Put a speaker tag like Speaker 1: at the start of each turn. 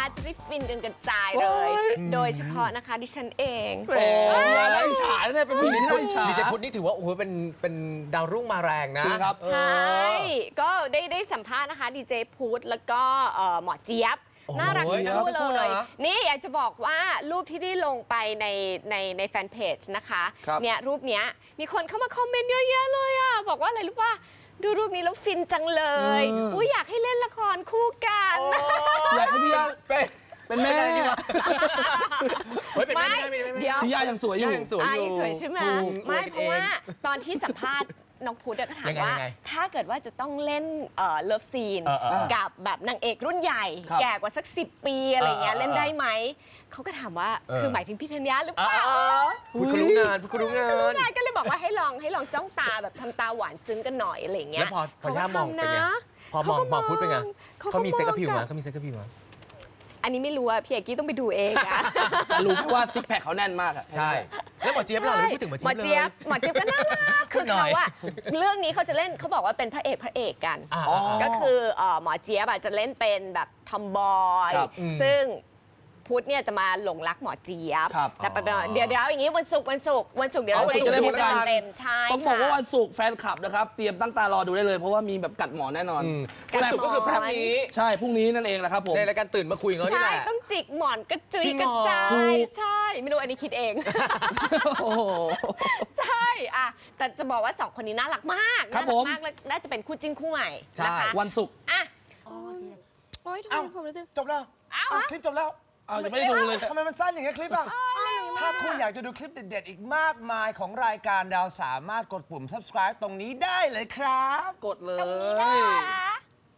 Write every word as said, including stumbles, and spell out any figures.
Speaker 1: จะได้ฟินกันกระจายเลย โดยเฉพาะนะคะดิฉันเอง
Speaker 2: โอ้ยไล่ฉายเนี่ยเป็นผู้หญิงที่ไล่ฉาย
Speaker 3: ดีเจพุทธนี่ถือว่าโอ้โหเป็นเป็นดาวรุ่งมาแรงนะครับ
Speaker 1: ใช่ก็ได้ได้สัมภาษณ์นะคะดีเจพุทธแล้วก็หมอเจี๊ยบน่ารักทั้งคู่เลยนี่อยากจะบอกว่ารูปที่ได้ลงไปในในในแฟนเพจนะคะเนี่ยรูปเนี้ยมีคนเข้ามาคอมเมนต์เยอะแยะเลยอ่ะบอกว่าอะไรรู้ป่ะดูรูปนี้แล้วฟินจังเลยอุ้ยอยากให้เล่นละครคู่กัน
Speaker 2: อยากให้พี่ย่าเป็นเป็นแม่
Speaker 1: ไม่เดี๋ยว
Speaker 2: พี่ย่ายังสวยอยู่
Speaker 3: ยังสวยอยู่
Speaker 1: สวยใช่ไหมไม่เพราะว่าตอนที่สัมภาษณ์น้องพุทธก็ถามว่าถ้าเกิดว่าจะต้องเล่นเลิฟซีนกับแบบนางเอกรุ่นใหญ่แก่กว่าสักสิบปีอะไรเงี้ยเล่นได้ไหมเขาก็ถามว่าคือหมายถึงพี่ธัญญาหรือเปล่า
Speaker 3: พูดคุยรู้งานพูดคุยรู้งาน
Speaker 1: ก็เลยบอกว่าให้ลองให้ลองจ้องตาแบบทำตาหวานซึ้งกันหน่อยอะไรเงี้ย
Speaker 3: แล้วพอพอย่ามองเป็นไงพอมองมองพุทธเป็นไงเขามีเซ็กกับผิวมั้ยเขามีเซ็กกับผิวมั้ย
Speaker 1: อันนี้ไม่รู้อะพี่เอกกี้ต้องไปดูเองอะ
Speaker 2: แต่รู้แค่ว่าซิกแพคเขาแน่นมากอะ
Speaker 3: ใช่แล้วหมอเจี๊ยบเราไม่พูดถึงหมอเจี๊ยบเลย
Speaker 1: หมอเจี๊ยบก็น่ารักคือเขาอะเรื่องนี้เขาจะเล่นเขาบอกว่าเป็นพระเอกพระเอกกันก็คือหมอเจี๊ยบจะเล่นเป็นแบบทอมบอยซึ่งพุทธเนี่ยจะมาหลงรักหมอเจี๊ยบแต่เดี๋ยวเดี๋ยวอย่างนี้วันศุกร์วันศุกร์วันศุกร์เดี๋ยวเรา
Speaker 2: จะได้พูดกัน
Speaker 1: เต็มใช่
Speaker 2: ต้องบอกว่าวันศุกร์แฟนคลับนะครับเตรียมตั้งตารอดูได้เลยเพราะว่ามีแบบกัดหมอแน่นอน
Speaker 3: วันศุกร์ก็คือพรุ่งนี้
Speaker 2: ใช่พรุ่งนี้นั่นเองแหละครับผม
Speaker 3: ในรายการตื่นมาคุยกันนี่แหละ
Speaker 1: ใช่ต้องจิกหมอนกระจุยกระจายใช่ไม่รู้อันนี้คิดเองใช่อะแต่จะบอกว่าสองคนนี้น่ารักมากน่ารักมากและน่าจะเป็นคู่จิ้นคู่ใหม่นะคะ
Speaker 2: วันศุกร์
Speaker 1: อ่ะ
Speaker 4: โอ้ยทำไมผมรู้สึก
Speaker 5: จบแล้วคลิปจบแล้ว
Speaker 2: เอาจะไม่ได้ดูเลย
Speaker 5: ทำไมมันสั้นอย่างเงี้ยคลิปอ่ะถ้าคุณอยากจะดูคลิปเด็ดๆอีกมากมายของรายการดาวสามารถกดปุ่ม subscribe ตรงนี้ได้เลยครับ
Speaker 2: กดเลย